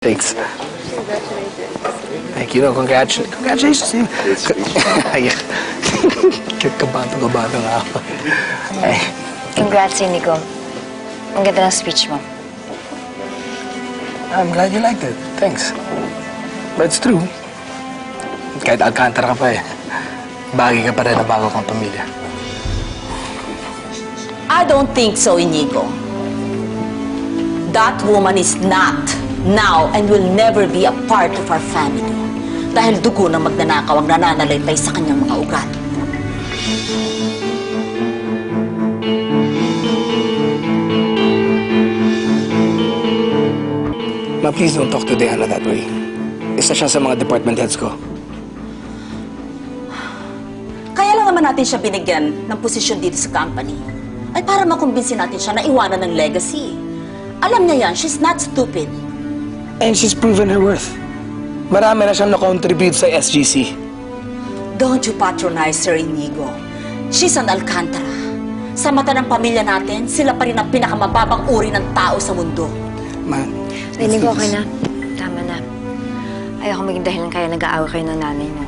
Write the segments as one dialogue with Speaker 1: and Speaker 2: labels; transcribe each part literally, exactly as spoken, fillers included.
Speaker 1: Thanks.
Speaker 2: Congratulations.
Speaker 1: Thank you. No, congratu congratulations. Ayan. Kabado-kabado nga ako. Ay.
Speaker 3: Congrats, Inigo. Ang ganda ng speech mo.
Speaker 1: I'm glad you liked it. Thanks. But it's true. Kahit Alcantara ka pa eh. Bagay ka pa rin na bago kang pamilya.
Speaker 4: I don't think so, Inigo. That woman is not, now, and will never be a part of our family. Dahil dugo ng magnanakaw ang nananalaytay sa kanyang mga ugat.
Speaker 1: Ma, please don't talk to Diana that way. Isa siya sa mga department heads ko.
Speaker 4: Kaya lang naman natin siya binigyan ng posisyon dito sa company. Ay para makumbinsin natin siya na iwanan ng legacy. Alam niya yan, she's not stupid.
Speaker 1: And she's proven her worth. Marami na siyang na-contribute sa S G C.
Speaker 4: Don't you patronize her, Inigo. She's an Alcantara. Sa mata ng pamilya natin, sila pa rin ang pinakamababang uri ng tao sa mundo.
Speaker 1: Man,
Speaker 3: Inigo, okay na. Tama na. Ayoko maging dahilan kaya nag-aaway kayo ng nanay mo.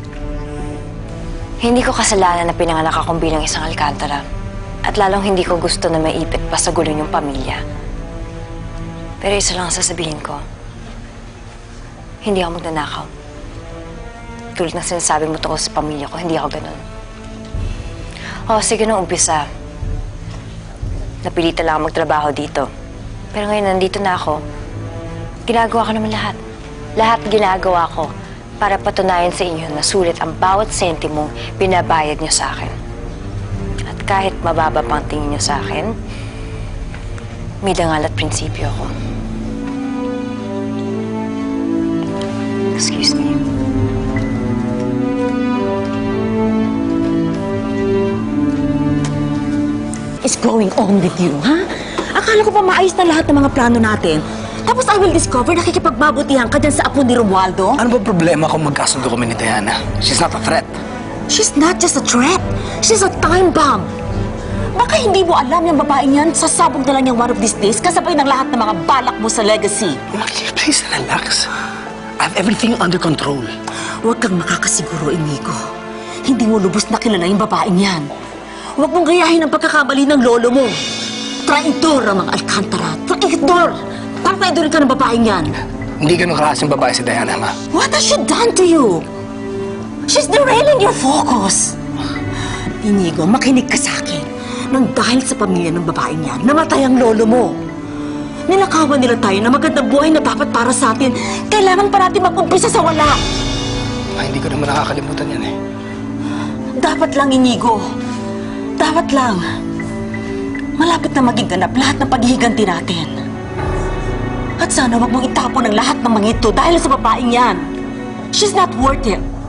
Speaker 3: Hindi ko kasalanan na pinanganak akong bilang isang Alcantara. At lalong hindi ko gusto na maipit pa sa gulo yung pamilya. Pero isa lang ang sasabihin ko. Hindi ako magnanakaw. Tulad ng sinasabi mo tungkol sa pamilya ko, hindi ako ganun. O, sige nung umpisa. Napilitan lang ako magtrabaho dito. Pero ngayon, nandito na ako. Ginagawa ko naman lahat. Lahat ginagawa ko para patunayan sa inyo na sulit ang bawat sentimong binabayad niyo sa akin. At kahit mababa pang tingin niyo sa akin, may dangal at prinsipyo ako. Excuse me.
Speaker 4: Is going on with you, ha? Akala ko pa maayos na lahat ng mga plano natin. Tapos I will discover nakikipagbabutihan ka dyan sa apo ni Romualdo.
Speaker 1: ano ba problema kung magkasundo kami ni Diana? She's not a threat.
Speaker 4: She's not just a threat. She's a time bomb. Baka hindi mo alam yung babae niyan, sasabog na lang yung one of these days kasabay ng lahat ng mga balak mo sa legacy.
Speaker 1: Maki, please relax. I have everything under control.
Speaker 4: Huwag kang makakasiguro, Inigo. Hindi mo lubos na kilala yung babaeng yan. Huwag mong gayahin ang pagkakamali ng lolo mo. Traidor ang mga Alcantara. Traidor! Traidor ka ng babaeng yan.
Speaker 1: Hindi ganun klaseng babae si Diana, ma.
Speaker 4: What has she done to you? She's derailing your focus. Inigo, makinig ka sa akin. Nang dahil sa pamilya ng babaeng yan, namatay ang lolo mo. Ninakawan nila tayo na magandang buhay na dapat para sa atin. Kailangan pa natin mag-umpisa sa wala.
Speaker 1: Ay, hindi ko naman nakakalimutan yan eh.
Speaker 4: Dapat lang, Inigo. Dapat lang. Malapit na maging ganap lahat ng paghihiganti natin. At sana wag mong itapon ang lahat ng mga ito dahil sa babaeng yan. She's not worth it.